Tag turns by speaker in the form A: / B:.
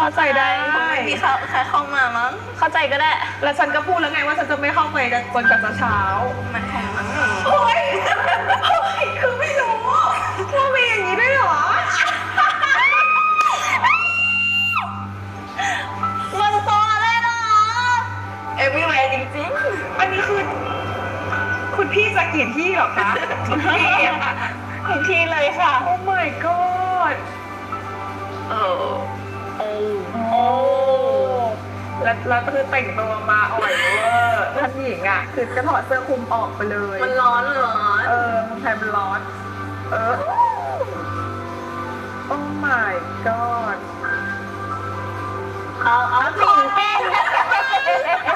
A: เข้าใจได้
B: ไม่มีใครเข้ามามั้ง
A: เข้าใจก็ได้
C: แล้วฉันก็พูดแล้วไงว่าฉันจะไม่เข้าไปจนกว่าจะเช้า
B: มันของมัน
C: เฮ้ยคือไม่รู้ว่ามีอย่างนี้ด้วยเหรอ
A: มันตัวอะไรเนาะ
B: เอวี่แวร์จริง
C: อันนี้คือคุณพี่จะกี่ที่เหรอคะทุกที่อะ
A: ทุกที่เลยค่ะ
C: โอ้ my god
B: ๆโอ้
C: โอ้แล้วคือแต่งตัวมาอ่อยเวอร์ท่านหญิงอ่ะ คือจะถอดเสื้อคลุมออกไปเลย
B: มันร้อนเหรอ
C: เเมืองไทยมันร้อน โอ้ my god
A: เอาปิ่นเต้น